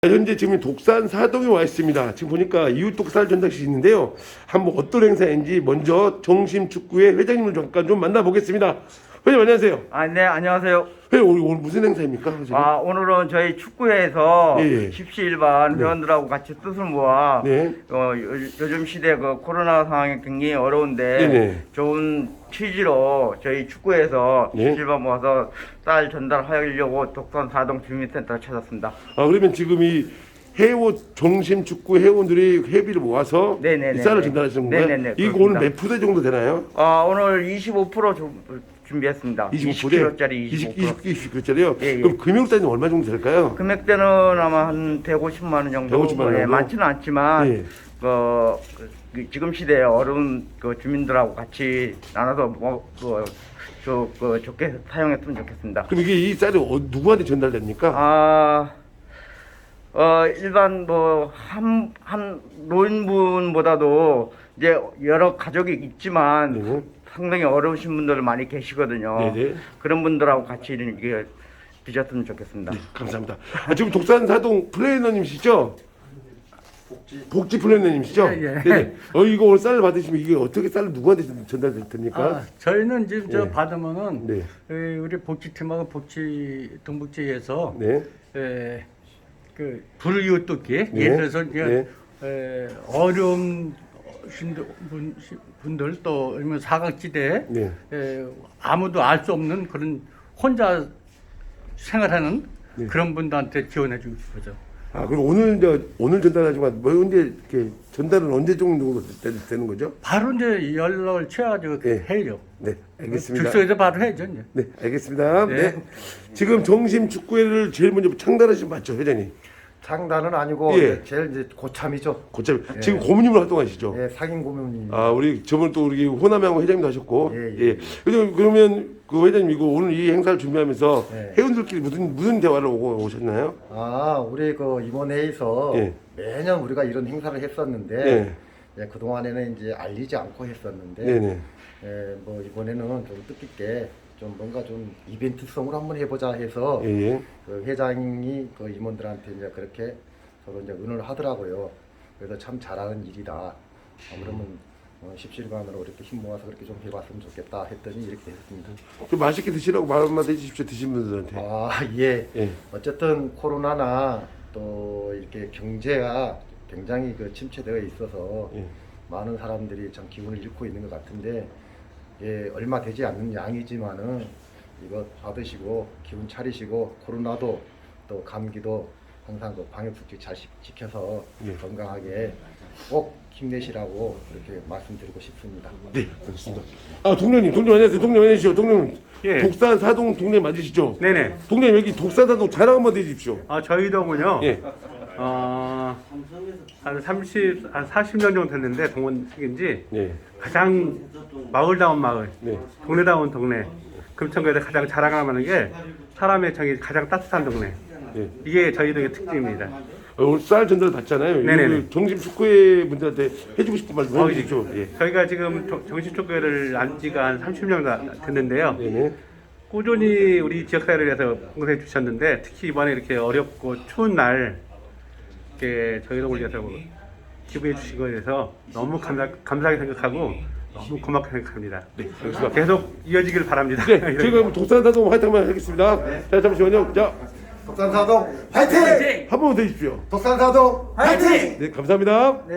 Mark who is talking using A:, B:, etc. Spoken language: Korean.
A: 현재 지금 독산 사동에 와 있습니다. 지금 보니까 이웃 독살 전당식이 있는데요. 한번 어떤 행사인지 먼저 정심축구회 회장님을 잠깐 좀 만나보겠습니다. 회장님 안녕하세요.
B: 네, 안녕하세요.
A: 회장님 오늘 무슨 행사입니까? 회장님?
B: 오늘은 저희 축구회에서
A: 예.
B: 십시일반 회원들하고 같이 뜻을 모아
A: 네.
B: 요즘 시대 그 코로나 상황이 굉장히 어려운데
A: 네네.
B: 좋은 취지로 저희 축구회에서
A: 네.
B: 십시일반 모아서 쌀 전달하려고 독산 사동 주민센터를 찾았습니다.
A: 그러면 지금 이 회원 정심축구 회원들이 회비를 모아서
B: 네네네.
A: 이 쌀을 전달하시는 건가요?
B: 네네네,
A: 이거
B: 그렇습니다.
A: 오늘 몇 푸대 정도 되나요?
B: 오늘 25% 준비했습니다.
A: 25kg짜리
B: 25%.
A: 20kg짜리요?
B: 예, 예.
A: 그럼 금액 따지면 얼마 정도 될까요?
B: 금액대는 아마 한 150만 원 정도.
A: 150만 원 정도?
B: 많지는 않지만
A: 예.
B: 지금 시대에 어려운 주민들하고 같이 나눠서 좋게 사용했으면 좋겠습니다.
A: 그럼 이게 이 쌀이 누구한테 전달됩니까?
B: 일반 한 노인분보다도 이제 여러 가족이 있지만
A: 네.
B: 상당히 어려우신 분들 많이 계시거든요.
A: 네네.
B: 그런 분들하고 같이 이게 드셨으면 좋겠습니다.
A: 네, 감사합니다. 지금 독산 사동 플래너님이시죠? 복지 플래너님이시죠?
C: 예, 예.
A: 네네. 이거 오늘 쌀을 받으시면 이게 어떻게 쌀을 누구한테 전달됩니까?
C: 저희는 이제 저
A: 네.
C: 받으면은
A: 네.
C: 우리 복지팀하고 동북지에서
A: 네.
C: 그 불이웃돕기
A: 네.
C: 예를 들어서 이제
A: 네.
C: 어려운 분들 또 아니면 사각지대
A: 네.
C: 아무도 알 수 없는 그런 혼자 생활하는
A: 네.
C: 그런 분들한테 지원해 주고 싶어죠.
A: 그럼 오늘 전달하지만 언제 이렇게 전달은 언제 정도 되는 거죠?
C: 바로 이제 연락을 취해가지고
A: 네.
C: 해요.
A: 네, 알겠습니다.
C: 즉석에서 바로 해야죠. 이제.
A: 네, 알겠습니다. 네.
C: 네.
A: 지금 정심축구회를 제일 먼저 창단하신 분 맞죠, 회장님?
D: 창단은 아니고
A: 예.
D: 제일 이제 고참이죠.
A: 고참
D: 예.
A: 지금 고문님으로 활동하시죠?
D: 예, 상임 고문님.
A: 우리 저번 또 우리 호남양호 회장님도 하셨고,
D: 예, 예.
A: 그러면 그 회장님 이거 오늘 이 행사를 준비하면서
D: 예.
A: 회원들끼리 무슨 대화를 오셨나요?
D: 우리 그 이번 회에서
A: 예.
D: 매년 우리가 이런 행사를 했었는데
A: 네,
D: 그 동안에는 이제 알리지 않고 했었는데
A: 네, 네.
D: 이번에는 좀 뜻깊게 좀 뭔가 좀 이벤트성으로 한번 해보자 해서
A: 예, 예.
D: 그 회장이 그 임원들한테 이제 그렇게 서로 이제 의논을 하더라고요. 그래서 참 잘하는 일이다. 그러면 십시일반으로 이렇게 힘 모아서 그렇게 좀 해봤으면 좋겠다 했더니 이렇게 됐습니다.
A: 좀 맛있게 드시라고 말 한마디 해주십시오, 드신 분들한테.
D: 예.
A: 예.
D: 어쨌든 코로나나 또 이렇게 경제가 굉장히 그 침체되어 있어서
A: 예.
D: 많은 사람들이 참 기운을 잃고 있는 것 같은데 얼마 되지 않는 양이지만은 이거 받으시고 기운 차리시고 코로나도 또 감기도 항상 그 방역수칙 잘 지켜서
A: 예.
D: 건강하게 꼭 힘내시라고 이렇게 말씀드리고 싶습니다.
A: 네, 알겠습니다. 동료님 안녕하세요. 동료님 안녕하시죠. 동료님.
E: 예.
A: 독산 사동 동네 맞으시죠?
E: 네네.
A: 동료님 여기 독산 사동 자랑 한번 해주십시오.
E: 저희 동은요.
A: 예.
E: 한 40년 정도 됐는데 동원 생긴 지
A: 네.
E: 가장 마을다운 마을,
A: 네.
E: 동네다운 동네. 금천구에서 가장 자랑하는 게 사람의 정이 가장 따뜻한 동네.
A: 네.
E: 이게 저희 동의 특징입니다.
A: 오늘 쌀 전달 받잖아요.
E: 네네네.
A: 정심축구회 분들한테 해주고 싶은 말씀 해주십시오. 예.
E: 저희가 지금 정신축구회를 안 지가 한 30년 됐는데요.
A: 네네.
E: 꾸준히 우리 지역사회를 위해서 봉사해 주셨는데 특히 이번에 이렇게 어렵고 추운 날 이렇게 저희 동을 위해서 기부해 주신 것에 대해서 너무 감사하게 생각하고 너무 고맙게 생각합니다.
A: 네, 알겠습니다.
E: 계속 이어지길 바랍니다.
A: 네, 지금 독산 사동 화이팅 한번 하겠습니다. 자, 잠시만요. 자,
D: 독산사동 화이팅!
A: 한 번만 더 해주십시오.
D: 독산사동 화이팅!
A: 네, 감사합니다.